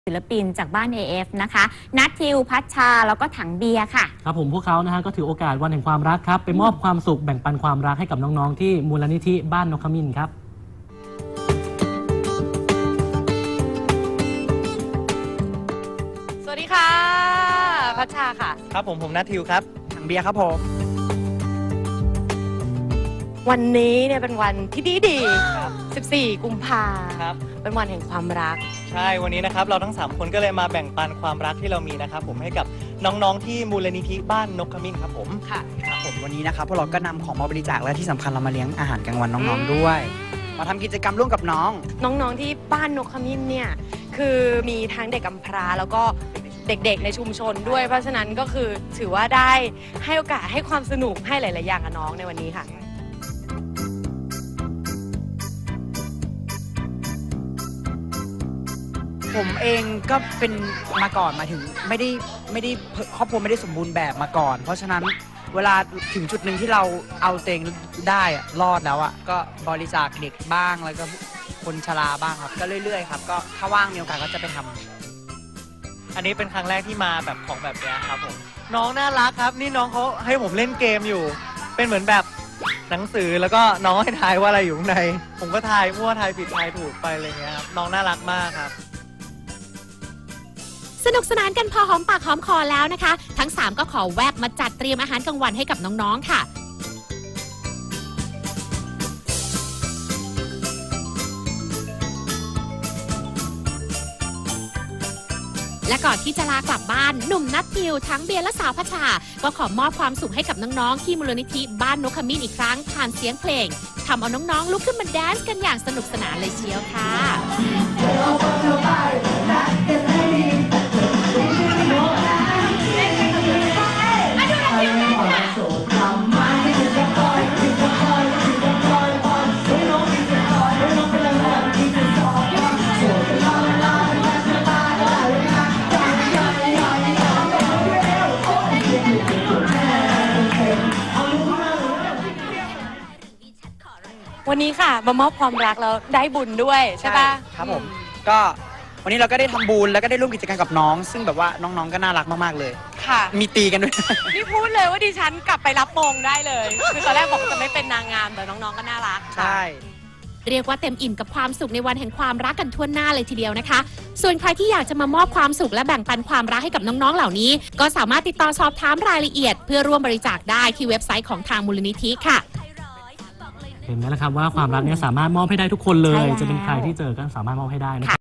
ศิลปินจากบ้าน AF นะคะนัททิวพัชชาแล้วก็ถังเบียร์ค่ะครับผมพวกเขานะฮะก็ถือโอกาสวันแห่งความรักครับไปมอบความสุขแบ่งปันความรักให้กับน้องๆที่มูลนิธิบ้านนกขมิ้นครับสวัสดีค่ะพัชชาค่ะครับผมนัททิวครับถังเบียร์ครับผมวันนี้เนี่ยเป็นวันที่ดี14 กุมภาพันธ์เป็นวันแห่งความรักใช่วันนี้นะครับเราทั้ง3คนก็เลยมาแบ่งปันความรักที่เรามีนะครับผมให้กับน้องๆที่มูลนิธิบ้านนกขมิ้นครับผมค่ะครับผมวันนี้นะครับพวกเราก็นำของมาบริจาคและที่สำคัญเรามาเลี้ยงอาหารกลางวันน้องๆด้วยมาทำกิจกรรมร่วมกับน้องที่บ้านนกขมิ้นเนี่ยคือมีทั้งเด็กกำพร้าแล้วก็เด็กๆในชุมชนด้วยเพราะฉะนั้นก็คือถือว่าได้ให้โอกาสให้ความสนุกให้หลายๆอย่างกับน้องในวันนี้ค่ะผมเองก็เป็นมาก่อนมาถึงไม่ได้ครอบครัวไม่ได้สมบูรณ์แบบมาก่อนเพราะฉะนั้นเวลาถึงจุดหนึ่งที่เราเอาตัวเองได้รอดแล้วก็บริจาคเด็กบ้างแล้วก็คนชราบ้างครับก็เรื่อยๆครับก็ถ้าว่างมีโอกาสก็จะไปทำอันนี้เป็นครั้งแรกที่มาแบบของแบบนี้ครับผมน้องน่ารักครับนี่น้องเขาให้ผมเล่นเกมอยู่เป็นเหมือนแบบหนังสือแล้วก็น้องให้ทายว่าอะไรอยู่ข้างในผมก็ทายมั่วทายผิดทายถูกไปอะไรเงี้ยครับน้องน่ารักมากครับสนุกสนานกันพอหอมปากหอมคอแล้วนะคะทั้ง3ก็ขอแวบมาจัดเตรียมอาหารกลางวันให้กับน้องๆค่ะและก่อนที่จะลากลับบ้านหนุ่มนัททิวทั้งเบียร์และสาวพัชชาก็ขอมอบความสุขให้กับน้องๆที่มูลนิธิบ้านนกขมิ้นอีกครั้งผ่านเสียงเพลงทำเอาน้องๆลุกขึ้นมาแดนซ์กันอย่างสนุกสนานเลยเชียวค่ะวันนี้ค่ะมามอบความรักแล้วได้บุญด้วยใช่ปะครับผมก็วันนี้เราก็ได้ทำบุญแล้วก็ได้ร่วมกิจกรรมกับน้องซึ่งแบบว่าน้องๆก็น่ารักมากๆเลยค่ะมีตีกันด้วยนี่พูดเลยว่าดิฉันกลับไปรับมงได้เลยคือตอนแรกบอกจะไม่เป็นนางงามแต่น้องๆก็น่ารักใช่เรียกว่าเต็มอิ่มกับความสุขในวันแห่งความรักกันทั่วหน้าเลยทีเดียวนะคะส่วนใครที่อยากจะมามอบความสุขและแบ่งปันความรักให้กับน้องๆเหล่านี้ก็สามารถติดต่อสอบถามรายละเอียดเพื่อร่วมบริจาคได้ที่เว็บไซต์ของทางมูลนิธิค่ะเห็นไหมล่ะครับว่าความรักเนี่ยสามารถมอบให้ได้ทุกคนเลยจะเป็นใครที่เจอก็สามารถมอบให้ได้นะครับ